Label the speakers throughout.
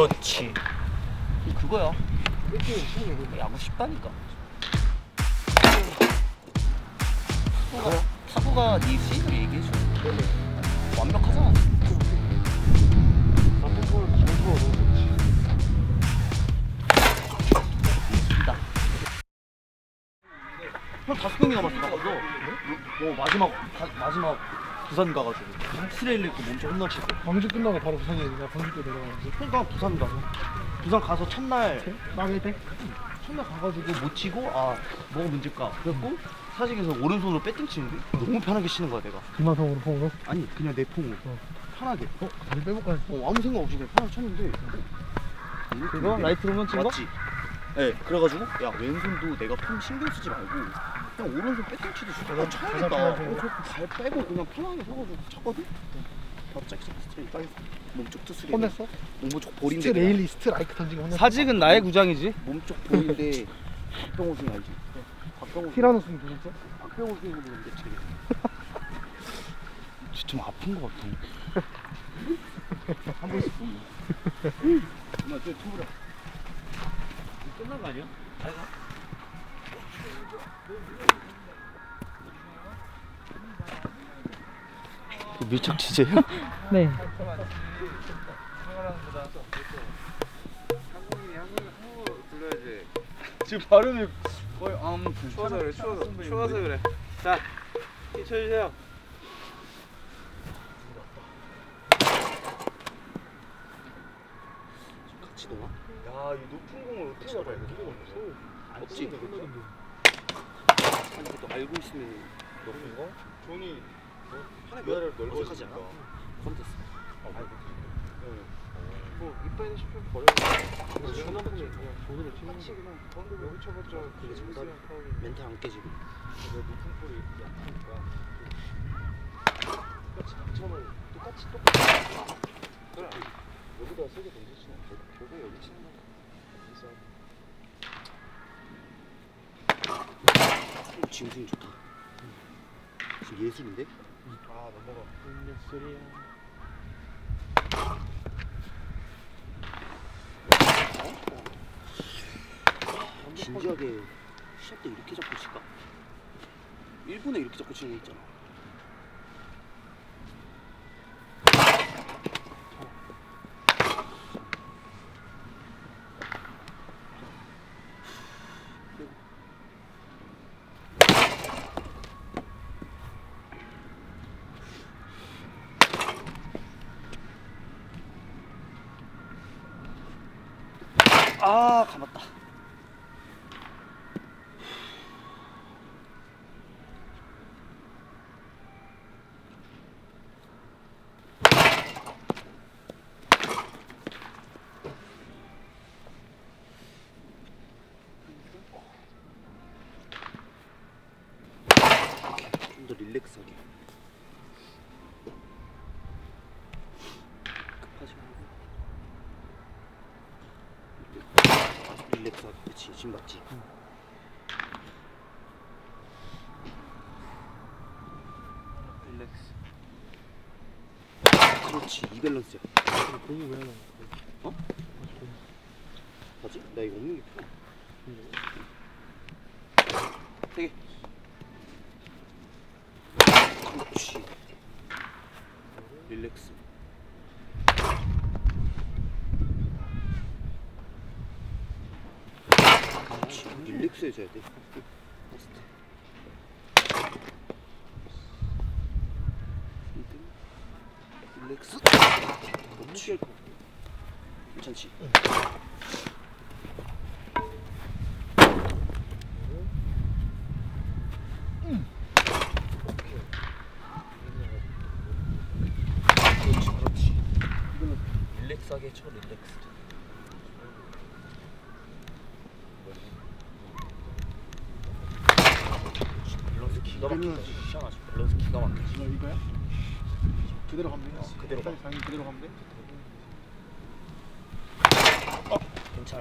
Speaker 1: 그렇지. 그거야. 야구 쉽다니까. 타구가 네 스윙을 얘기해줘. 완벽하잖아. 형 5경기 남았어 나가서. 마지막 부산 가가지고 스트레일 입고 몸좀 혼나치고.
Speaker 2: 광주 끝나고 바로 부산이야. 나 광주 때 내려가는데.
Speaker 1: 그러니까 부산 가서 첫날
Speaker 2: 망일 때?
Speaker 1: 가가지고 못 치고 뭐가 문제일까 그래갖고 사직에서 오른손으로 배팅 치는데 너무 편하게 치는 거야 내가.
Speaker 2: 김하성으로 폼으로?
Speaker 1: 아니 그냥 내 폼으로 편하게.
Speaker 2: 다리 빼볼까 했어.
Speaker 1: 아무 생각 없이 그냥 편하게 쳤는데
Speaker 2: 그거? 라이트로만 친 거?
Speaker 1: 맞지? 네 그래가지고 야 왼손도 내가 폼 신경 쓰지 말고 그냥 오른손 배팅 치듯이 나 쳐야겠다. 발 빼고 그냥 편하게 서가지고 쳤거든? 바로 짝짝 스트레이트 따겠어. 몸쪽 투수리
Speaker 2: 혼냈어?
Speaker 1: 몸쪽 볼인데
Speaker 2: 스트레일리 스트라이크 던진 거 혼냈어?
Speaker 1: 사직은 나의 구장이지. 몸쪽 볼인데 박병호 선 알지? 박병호
Speaker 2: 티라노 스윙 누구죠?
Speaker 1: 박병호 선생님으로 근데 되게 좀 아픈 거 같아. 한 번씩 보면 엄마 저 투브라 끝난 거 아니야? 밀착 취재예요?
Speaker 2: 네.
Speaker 3: 한국인이 불러야지.
Speaker 1: 지금 발음이 거의
Speaker 3: 추워서 그래. 추워서 그래. 자, 쳐주세요.
Speaker 1: 같이 놓아?
Speaker 3: 야, 이 높은 공을 어떻게 잡아야 돼?
Speaker 1: 없지. 아니 또 알고 있으면
Speaker 3: 높은 거? 존이
Speaker 1: 하나
Speaker 3: 위아래로
Speaker 1: 어색하지 않아?
Speaker 3: 넓어지니까.
Speaker 1: 그럼 됐어.
Speaker 3: 뭐 이빠이는 싶으면 버려. 전화 보면 그냥 존으로 치는 거. 방금 여기 쳐봤자
Speaker 1: 그게 정답. 멘탈 안 깨지고.
Speaker 3: 내 높은 볼이 약하니까. 똑같이 그래. 여기다 세게 던지지. 결국 여기 치는 거야.
Speaker 1: 지금 스윙 좋다. 지금 예술인데?
Speaker 3: 넘어가.
Speaker 1: 진지하게 시합 때 이렇게 잡고 칠까? 일본에 이렇게 잡고 치는 거 있잖아. 감았다. 좀 더 릴렉스하게. 급하지 말고. 릴렉스하게. 그치 지금 맞지?
Speaker 3: 릴렉스.
Speaker 1: 그렇지 이 밸런스야.
Speaker 2: 공이 왜 하나?
Speaker 1: 어? 맞지? 나 이거 없는 게 편해. 되게. 그렇지. 릴렉스. 그렇지. 릴렉스 해줘야 돼. 퍼스트. 릴렉스. 그렇지. 괜찮지? 그렇지. 이거는 릴렉스하게 쳐 릴렉스. 밸런스 기가 막히지. 시원하지. 밸런스 기가 막히지.
Speaker 2: 이거야? 그대로 가면 돼?
Speaker 1: 그대로 가.
Speaker 2: 당연히 그대로 가면 돼?
Speaker 1: 괜찮아.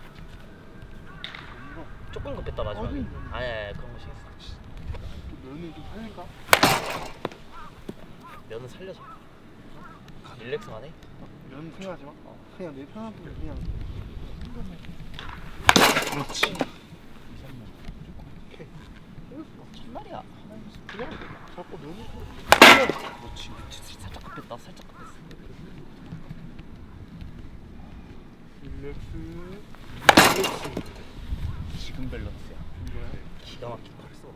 Speaker 1: 조금 급했다 마지막에. 아니 그런 거 신경 쓰지.
Speaker 2: 면을 좀 살릴까?
Speaker 1: 면은 살려줘. 릴렉스만 해.
Speaker 2: 면 생각하지 마. 그냥 내 편한 부분 그냥.
Speaker 1: 그렇지. 첫날이야.
Speaker 2: 그냥 자꾸 면을.
Speaker 1: 그렇지. 살짝 급했다. 살짝 급했어.
Speaker 2: 릴렉스.
Speaker 1: 지금 밸런스야.
Speaker 2: 이거야?
Speaker 1: 기가 막히다.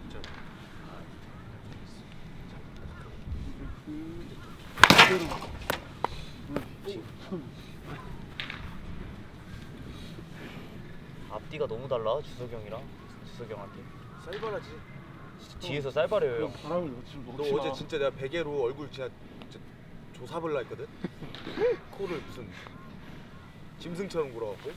Speaker 1: 앞뒤가 너무 달라. 주석이 형이랑 주석이 형한테.
Speaker 4: 쌀바라지.
Speaker 1: 뒤에서 쌀바래요.
Speaker 2: 그냥 바람을 넣지
Speaker 4: 너
Speaker 2: 먹지 마.
Speaker 4: 어제 진짜 내가 베개로 얼굴 진짜 조사벌라 했거든. 코를 무슨 짐승처럼 굴어갖고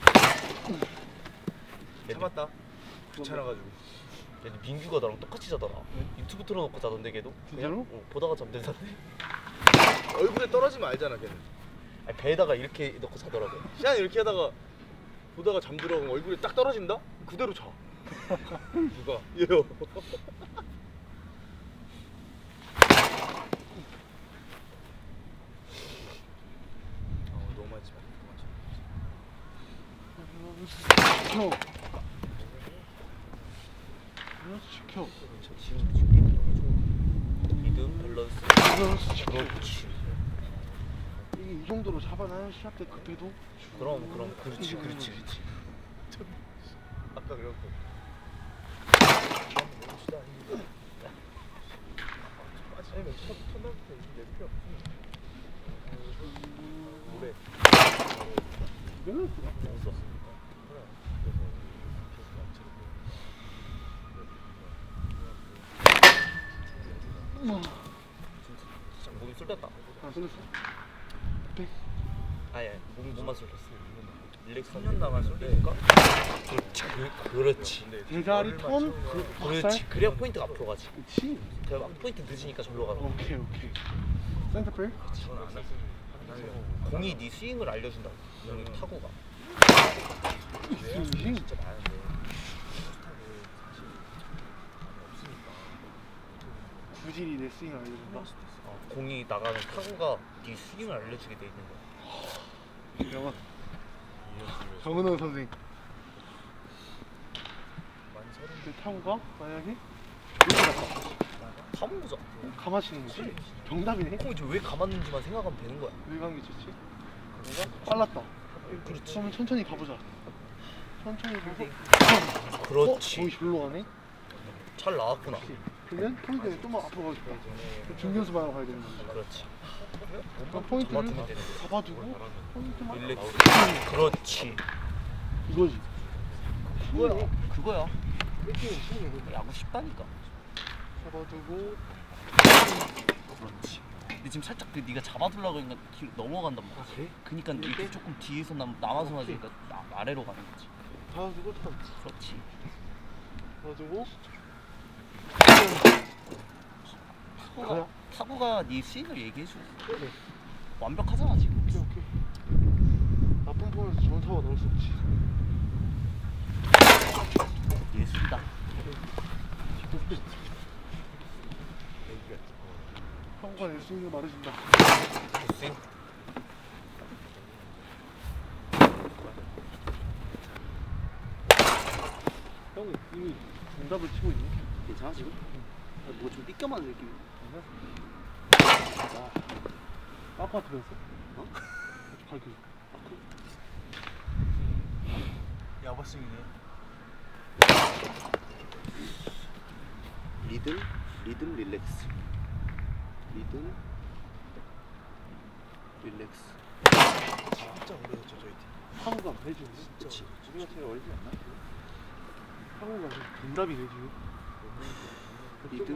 Speaker 4: 참았다. 귀찮아가지고.
Speaker 1: 근데 민규가 나랑 똑같이 자더라. 유튜브 틀어놓고 자던데 걔도.
Speaker 2: 진짜로?
Speaker 1: 보다가 잠들던데.
Speaker 4: 얼굴에 떨어지면 알잖아 걔는.
Speaker 1: 아니, 배에다가 이렇게 넣고 자더라고.
Speaker 4: 시안 이렇게 하다가 보다가 잠들어 그럼 얼굴에 딱 떨어진다? 그대로 자. 누가? 얘요. 너무 많지 마.
Speaker 2: 시켜. 시켜.
Speaker 1: 리듬 밸런스.
Speaker 2: 밸런스 시켜.
Speaker 1: 그렇지.
Speaker 2: 이게 이 정도로 잡아놔야 시합 때 급해도.
Speaker 1: 그럼 그렇지.
Speaker 4: 아까 그래갖고 아니면 첫날부터 내 필요 없어. 노래
Speaker 2: 밸런스가.
Speaker 1: 진짜 몸이 쏠렸다.
Speaker 2: 아, 쏠렸어. 백.
Speaker 1: 아예 몸만 쏠렸어. 릴렉스 3년 남았는데. 그렇지.
Speaker 2: 대가리 턴.
Speaker 1: 그렇지. 그래야 포인트가 앞으로 가지.
Speaker 2: 그렇지.
Speaker 1: 그래야 포인트 늦으니까 절로 가고.
Speaker 2: 오케이. 센터백.
Speaker 1: 공이 네 스윙을 알려준다고. 너는 타구가.
Speaker 2: 스윙.
Speaker 4: 진짜 많은데
Speaker 2: 구질이 내 스윙을 알려준다.
Speaker 1: 공이 나가는 타구가 네 스윙을 알려주게 돼 있는 거야.
Speaker 2: 영원. 정은원 선생. 그 타구가 만약에 이렇게 갔다.
Speaker 1: 가만 보자.
Speaker 2: 감아치는 거지. 정답이네.
Speaker 1: 공이 왜 감았는지만 생각하면 되는 거야.
Speaker 2: 왜 감기 좋지? 내가 빨랐다.
Speaker 1: 그렇지.
Speaker 2: 그러면 천천히 가보자. 천천히 가서.
Speaker 1: 그렇지.
Speaker 2: 거기 절로 가네.
Speaker 1: 잘 나왔구나.
Speaker 2: 그러면 포인트는 좀만 앞으로 가고 싶다. 중견수 방향으로 가야 되는 거야.
Speaker 1: 그렇지.
Speaker 2: 그럼 포인트를
Speaker 1: 잡아두면 되는 거야.
Speaker 2: 잡아두고 포인트만.
Speaker 1: 릴렉스. 그렇지.
Speaker 2: 이거지.
Speaker 1: 그거야.
Speaker 2: 뺏기는 치는 거.
Speaker 1: 야구 쉽다니까.
Speaker 2: 잡아두고.
Speaker 1: 그렇지. 근데 지금 살짝 네가 잡아두려고 하니까 뒤로 넘어간단 말이야.
Speaker 2: 그래?
Speaker 1: 그니까 이렇게 조금 뒤에서 남아서 맞으니까 아래로 가는 거지.
Speaker 2: 잡아두고 턴.
Speaker 1: 그렇지.
Speaker 2: 잡아두고.
Speaker 1: 타구가 네 스윙을 얘기해줘.
Speaker 2: 그래.
Speaker 1: 완벽하잖아 지금.
Speaker 2: 오케이. 나쁜 폼에서 좋은 타워 넣을 수 없지.
Speaker 1: 예술이다.
Speaker 2: 타구가 내 스윙을 말해준다.
Speaker 1: 스윙.
Speaker 2: 형이 이미 정답을 치고 있네.
Speaker 1: 괜찮아 지금? 뭐가 좀 삐껴맞는 느낌이.
Speaker 2: 아파트면서?
Speaker 1: 어?
Speaker 2: 갈기.
Speaker 4: 야바스윙이네.
Speaker 1: 리듬 릴렉스. 리듬 릴렉스.
Speaker 4: 진짜 오래됐죠 저희 팀.
Speaker 2: 타구가 내주.
Speaker 1: 그렇지.
Speaker 2: 우리가 제일 어리지 않나? 타구가 정답이 내주.
Speaker 1: 리듬?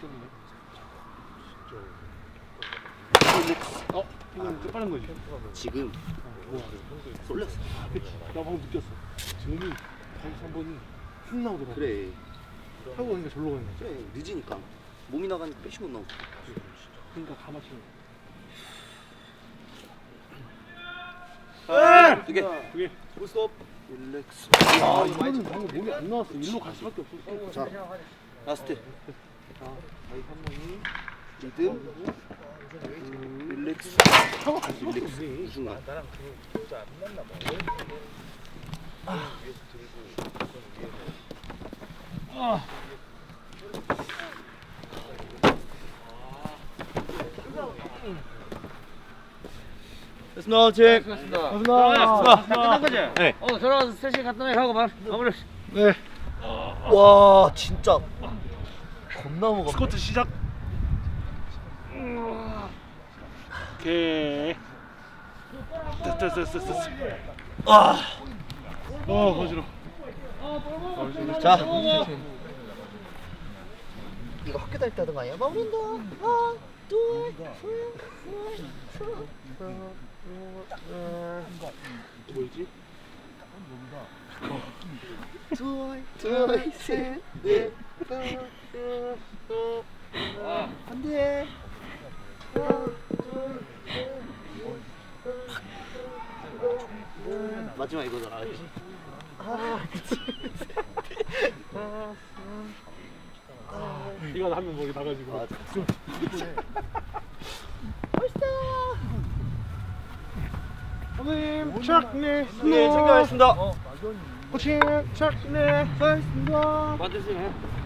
Speaker 2: 릴렉스. 이건 좀 빠른 거지.
Speaker 1: 지금
Speaker 2: 뭐야?
Speaker 1: 쏠렸어.
Speaker 2: 그치. 나 방금 느꼈어. 지금이 103번이 훅 나오더라고.
Speaker 1: 그래.
Speaker 2: 타고 가니까 절로 가는 거지.
Speaker 1: 그래 늦으니까 몸이 나가니까 빼시 못 나오고.
Speaker 2: 그러니까 가마치는
Speaker 1: 두 개.
Speaker 2: 그게
Speaker 4: 풀스톱.
Speaker 1: 릴렉스.
Speaker 2: 이거는 방금 몸이 안 나왔어. 일로 갈 수밖에 없었어.
Speaker 1: 자 라스트.
Speaker 2: 자, 저희 3명이
Speaker 1: 리듬. 릴렉스. 릴렉스. 무슨 말?
Speaker 4: 나랑 그거 진짜 안 맞나 봐. 위에서 들고 위에서.
Speaker 1: 됐습니다, 책.
Speaker 3: 수고하셨습니다. 끝난 거지?
Speaker 1: 네.
Speaker 3: 들어가서 스트레칭 간단하게 하고 마무리.
Speaker 2: 네.
Speaker 1: 와, 진짜 겁나 무겁네.
Speaker 2: 스쿼트 시작. 오케이. 됐어.
Speaker 1: 아,
Speaker 2: 어지러.
Speaker 1: 자. 이거 학교 다닐 때 하던 거 아니야? 마무리한다. 하나, 둘,
Speaker 2: 뭐지?
Speaker 1: 둘, 셋, 넷, 안 돼. 마지막 이거잖아. 알지?
Speaker 2: 이거 하면 목이 나가지고.
Speaker 1: 맞아.
Speaker 2: 선생님, 착, 네.
Speaker 1: 네, 챙겨가겠습니다.
Speaker 2: 코칭, 착, 네.
Speaker 3: 맞으시네.